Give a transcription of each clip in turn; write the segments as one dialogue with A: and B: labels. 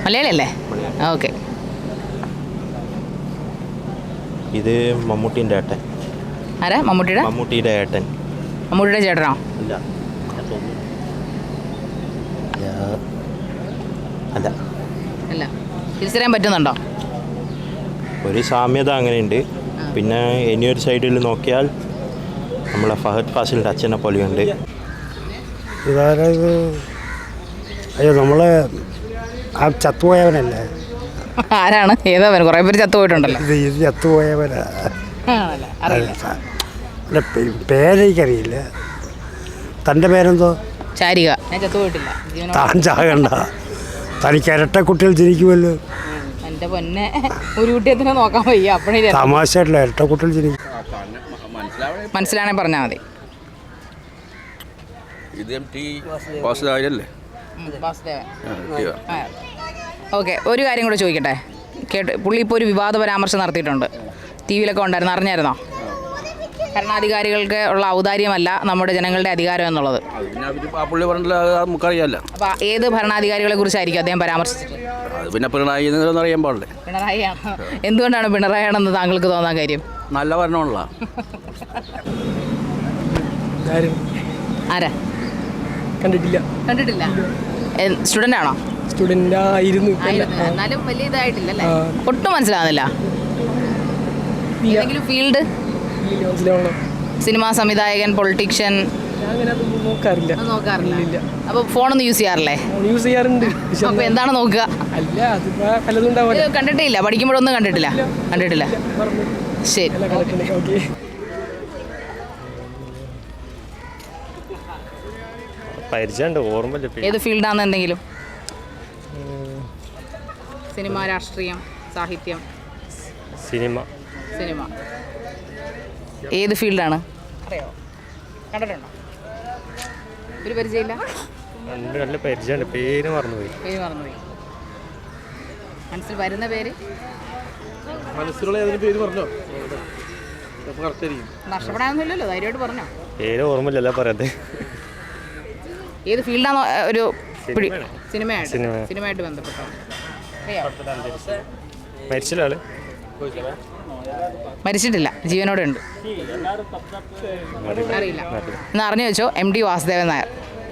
A: മലയാളിയല്ലേ? Okay.
B: ഇത് മമ്മൂട്ടിൻ്റെ ഏട്ടൻ.
A: ആരാ?
B: മമ്മൂട്ടിയുടെ ഏട്ടൻ.
A: മമ്മൂട്ടിയുടെ ചേട്ടനോ?
B: അല്ല അല്ല
A: അല്ല. തിരിച്ചറിയാൻ പറ്റുന്നുണ്ടോ?
B: ഒരു സാമ്യത അങ്ങനെയുണ്ട്. പിന്നെ ഇനിയൊരു സൈഡിൽ നോക്കിയാൽ നമ്മളെ ഫഹദ് ഫാസിലിൻ്റെ അച്ഛനെ പോലെയുണ്ട്.
C: ഇതായത് അയ്യോ നമ്മളെ ആ ചത്തുപോയവനല്ലേ?
A: ആരാണ്? ഏതാവൻ? കുറേ പേര് ചത്തുപോയിട്ടുണ്ടല്ലോ.
C: ഇത് ചത്തുപോയവനാ. പേരെനിക്കറിയില്ല. തൻ്റെ പേരെന്തോ?
A: ചാരിക. ഞാൻ ചത്തുപോയിട്ടില്ല.
C: താൻ ചാകണ്ട, തനിക്ക് ഇരട്ട കുട്ടികൾ ജനിക്കുമല്ലോ.
A: എൻ്റെ പൊന്നെ, ഒരു കുട്ടിയത്തിനെ നോക്കാൻ വയ്യ. അപ്പോഴേ
C: തമാശയായിട്ടില്ല, ഇരട്ട കുട്ടികൾ ജനിക്കും.
A: മനസ്സിലാണെങ്കിൽ പറഞ്ഞാൽ മതി. ഓക്കെ, ഒരു കാര്യം കൂടെ ചോദിക്കട്ടെ. പുള്ളി ഇപ്പോൾ ഒരു വിവാദ പരാമർശം നടത്തിയിട്ടുണ്ട്. ടി വിയിലൊക്കെ ഉണ്ടായിരുന്നു, അറിഞ്ഞായിരുന്നോ? ഭരണാധികാരികൾക്ക് ഉള്ള ഔദാര്യമല്ല നമ്മുടെ ജനങ്ങളുടെ അധികാരം എന്നുള്ളത്. അപ്പോൾ ഏത് ഭരണാധികാരികളെ കുറിച്ചായിരിക്കും അദ്ദേഹം പരാമർശിച്ചത്?
D: പിന്നെ പിണറായി അറിയാൻ പാടില്ലേ?
A: പിണറായിയാണ്. എന്തുകൊണ്ടാണ് പിണറായിയാണെന്ന് താങ്കൾക്ക് തോന്നാൻ കാര്യം?
D: നല്ല ഭരണമുള്ള
A: ആരാ? കണ്ടിട്ടില്ല. സ്റ്റുഡൻ്റ് ആണോ?
E: സ്റ്റുഡൻ്റ് ആയിരുന്നു.
A: എന്നാലും വലിയ ഇതായിട്ടില്ലല്ലേ? ഒട്ടും മനസ്സിലാവുന്നില്ല. ഏതെങ്കിലും ഫീൽഡ്? സിനിമാ സംവിധായകൻ, പൊളിറ്റീഷ്യൻ?
E: നോക്കാറില്ല.
A: അപ്പോൾ ഫോണൊന്നും യൂസ് ചെയ്യാറില്ലേ?
E: യൂസ് ചെയ്യാറുണ്ട്.
A: അപ്പോൾ എന്താണ് നോക്കുക? കണ്ടിട്ടില്ല. പഠിക്കുമ്പോഴൊന്നും കണ്ടിട്ടില്ല. ശരി. ഏത് ഫീൽഡാണെന്ന് എന്തെങ്കിലും? സിനിമ, രാഷ്ട്രീയം, സാഹിത്യം?
F: സിനിമ.
A: ഏത് ഫീൽഡാണ്? അറിയാമോ? കണ്ടിട്ടുണ്ടോ? ഒരു പരിചയമില്ല?
F: നല്ല പരിചയമുണ്ട്. പേര് മറന്നുപോയി.
A: മനസ്സിൽ വരുന്ന പേര്? നഷ്ടപ്പെടാനൊന്നുമില്ലല്ലോ, ധൈര്യമായിട്ട് പറഞ്ഞോ.
F: പേര് ഓർമ്മയില്ലല്ലോ പറയാതെ.
A: ഏത് ഫീൽഡാണോ? ഒരു സിനിമയായിട്ട് ബന്ധപ്പെട്ടോ? മരിച്ചിട്ടില്ല, ജീവനോടെ ഉണ്ട്. അറിയില്ല. ഇന്ന് അറിഞ്ഞു വെച്ചോ. MD വാസുദേവൻ നായർ.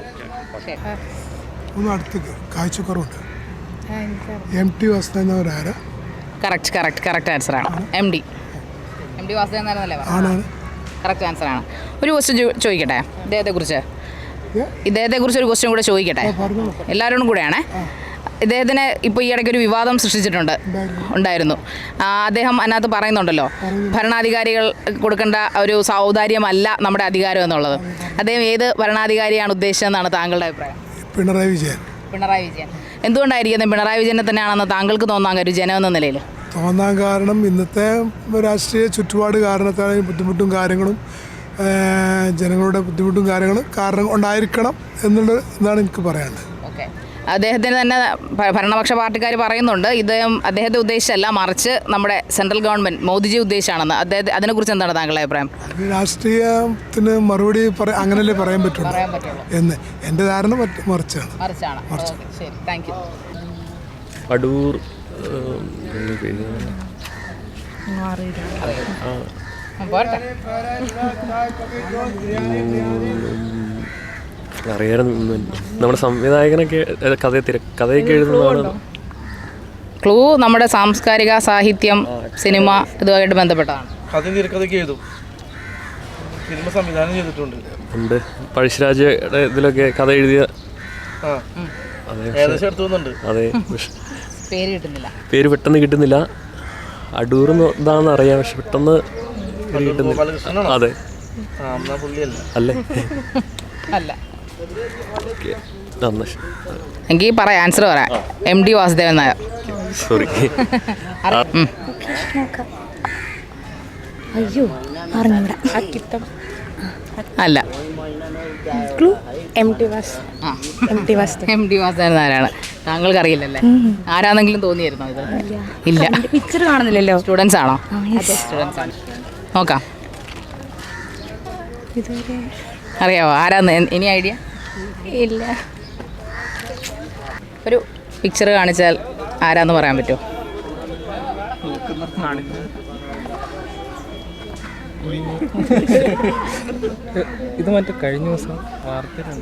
G: കാഴ്ചക്കുറവുണ്ട്. MT വാസുദേവൻ നായർ ആരാ?
A: കറക്റ്റ് ആൻസറാണ്. MD വാസുദേവൻ നായർ എന്നല്ലേ പറഞ്ഞത്? കറക്റ്റ് ആൻസറാണ്. ഒരു ക്വസ്റ്റ്യൻ ചോദിക്കട്ടെ ഇദ്ദേഹത്തെക്കുറിച്ച് ഒരു ക്വസ്റ്റ്യൻ കൂടെ ചോദിക്കട്ടെ, എല്ലാവരോടും കൂടെയാണേ. ഇദ്ദേഹത്തിന് ഇപ്പോൾ ഈ ഇടയ്ക്ക് ഒരു വിവാദം ഉണ്ടായിരുന്നു. അദ്ദേഹം അതിനകത്ത് പറയുന്നുണ്ടല്ലോ, ഭരണാധികാരികൾ കൊടുക്കേണ്ട ഒരു ഔദാര്യമല്ല നമ്മുടെ അധികാരം എന്നുള്ളത്. അദ്ദേഹം ഏത് ഭരണാധികാരിയാണ് ഉദ്ദേശിച്ചതെന്നാണ് താങ്കളുടെ അഭിപ്രായം?
G: പിണറായി വിജയൻ.
A: എന്തുകൊണ്ടായിരിക്കും പിണറായി വിജയനെ തന്നെയാണെന്ന് താങ്കൾക്ക് തോന്നാൻ ഒരു ജനം എന്ന നിലയിൽ?
G: തോന്നാൻ കാരണം ഇന്നത്തെ രാഷ്ട്രീയ ചുറ്റുപാട് കാരണത്താൽ ബുദ്ധിമുട്ടും കാര്യങ്ങളും ജനങ്ങളുടെ ബുദ്ധിമുട്ടും കാരണം ഉണ്ടായിരിക്കണം എന്നാണ് എനിക്ക് പറയാനുള്ളത്.
A: ഓക്കെ. അദ്ദേഹത്തിന് തന്നെ ഭരണപക്ഷ പാർട്ടിക്കാർ പറയുന്നുണ്ട് അദ്ദേഹത്തെ ഉദ്ദേശിച്ചല്ല, മറിച്ച് നമ്മുടെ സെൻട്രൽ ഗവൺമെൻറ് മോദിജി ഉദ്ദേശിച്ചാണെന്ന്. അതിനെക്കുറിച്ച് എന്താണ് താങ്കളുടെ അഭിപ്രായം?
G: രാഷ്ട്രീയത്തിന് മറുപടി അങ്ങനല്ലേ പറയാൻ പറ്റുള്ളൂ എന്ന് എൻ്റെ ധാരണ മറിച്ചാണ്.
A: ശരി, താങ്ക് യു.
F: അടൂർ അറിയാറുണ്ട്. നമ്മുടെ സംവിധായകനൊക്കെ കഥയൊക്കെ എഴുതുന്നതാണ്.
A: ക്ലൂ നമ്മുടെ സാംസ്കാരിക, സാഹിത്യം, സിനിമ ഇതുമായിട്ട് ബന്ധപ്പെട്ടതാണ്.
F: ഉണ്ട്. പഴശ്ശിരാജയുടെ ഇതിലൊക്കെ കഥ എഴുതിയ. അതെ. പേര് പെട്ടെന്ന് കിട്ടുന്നില്ല. അടൂർ ഇതാണെന്ന് അറിയാം, പക്ഷെ പെട്ടെന്ന് കിട്ടുന്നില്ല. അതെ അല്ലേ? അല്ല.
A: എങ്കിൽ പറയാം, ആൻസർ പറയാം. MD വാസുദേവൻ നായർ.
F: സോറി.
A: അല്ല.
H: MT
A: വാസുദേവൻ നായരാണ്. താങ്കൾക്ക് അറിയില്ലല്ലേ? ആരാണെങ്കിലും തോന്നിയായിരുന്നോ ഇത്? ഇല്ല.
H: പിക്ചർ കാണുന്നില്ലല്ലോ.
A: സ്റ്റുഡൻസ് ആണോ? സ്റ്റുഡൻസ് ആണ്. നോക്കാം. അറിയാവോ ആരാന്ന്? ഇനി ഐഡിയ
H: ഇല്ല.
A: ഒരു പിക്ചർ കാണിച്ചാൽ ആരാന്ന് പറയാൻ പറ്റുമോ?
E: ഇത് മറ്റേ കഴിഞ്ഞ ദിവസം വാർത്തയിലുണ്ട്.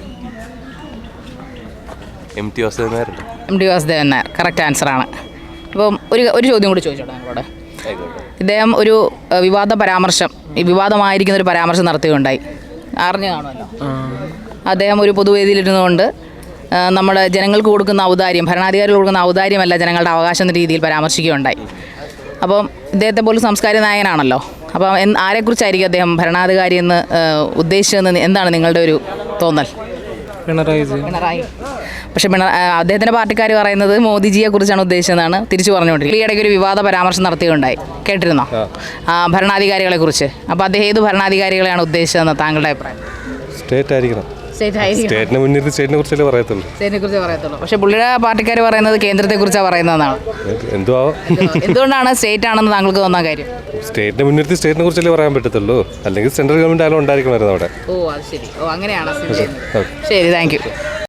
F: MT Vasudevan Nair.
A: MT Vasudevan Nair correct ആൻസറാണ്. അപ്പം ഒരു ചോദ്യം കൂടി ചോദിച്ചോട്ടെ നിങ്ങളോട്. ഇദ്ദേഹം ഒരു വിവാദ പരാമർശം, ഈ വിവാദമായിരിക്കുന്ന ഒരു പരാമർശം നടത്തുകയുണ്ടായി, അറിഞ്ഞു കാണുമല്ലോ. അദ്ദേഹം ഒരു പൊതുവേദിയിലിരുന്നുകൊണ്ട് നമ്മുടെ ജനങ്ങൾക്ക് കൊടുക്കുന്ന ഔദാര്യം, ഭരണാധികാരികൾ കൊടുക്കുന്ന ഔദാര്യമല്ല ജനങ്ങളുടെ അവകാശം എന്ന രീതിയിൽ പരാമർശിക്കുകയുണ്ടായി. അപ്പം ഇദ്ദേഹത്തെ പോലും സംസ്കാര നായകനാണല്ലോ. അപ്പം ആരെക്കുറിച്ചായിരിക്കും അദ്ദേഹം ഭരണാധികാരി എന്ന് ഉദ്ദേശിച്ചതെന്ന് എന്താണ് നിങ്ങളുടെ ഒരു തോന്നൽ? പിണറായി. പക്ഷേ അദ്ദേഹത്തിൻ്റെ പാർട്ടിക്കാർ പറയുന്നത് മോദിജിയെ കുറിച്ചാണ് ഉദ്ദേശിച്ചതെന്നാണ് തിരിച്ചു പറഞ്ഞുകൊണ്ടിരിക്കുന്നത്. ഈ ഇടയ്ക്ക് ഒരു വിവാദ പരാമർശം നടത്തുകയുണ്ടായി, കേട്ടിരുന്നോ? ഭരണാധികാരികളെ കുറിച്ച്. അപ്പോൾ അദ്ദേഹം ഏത് ഭരണാധികാരികളെയാണ് ഉദ്ദേശിച്ചതെന്ന് താങ്കളുടെ അഭിപ്രായം?
H: സ്റ്റേറ്റ് ആയിരിക്കണം. സ്റ്റേറ്റിനെ മുന്നിൽ സ്റ്റേറ്റിനെ കുറിച്ചല്ലേ പറയത്തുള്ളൂ.
A: സ്റ്റേറ്റിനെ കുറിച്ച് പറയത്തുള്ളൂ. പക്ഷേ പുള്ളിയുടെ പാർട്ടിക്കാർ പറയുന്നത് കേന്ദ്രത്തെ കുറിച്ചാണ് പറയുന്നതെന്നാണ്. എന്തുകൊണ്ടാണ് സ്റ്റേറ്റ് ആണെന്ന് താങ്കൾക്ക് തോന്നാൻ കാര്യം?
H: സ്റ്റേറ്റിനെ മുൻനിർത്തി സ്റ്റേറ്റിനെ കുറിച്ചല്ലേ പറയാൻ പറ്റത്തുള്ളൂ. അല്ലെങ്കിൽ സെൻട്രൽ ഗവൺമെന്റ് ആയാലും ഉണ്ടായിരിക്കണമായിരുന്നു അവിടെ.
A: ഓ അത് ശരി. ഓ അങ്ങനെയാണ്. ശരി, താങ്ക് യു.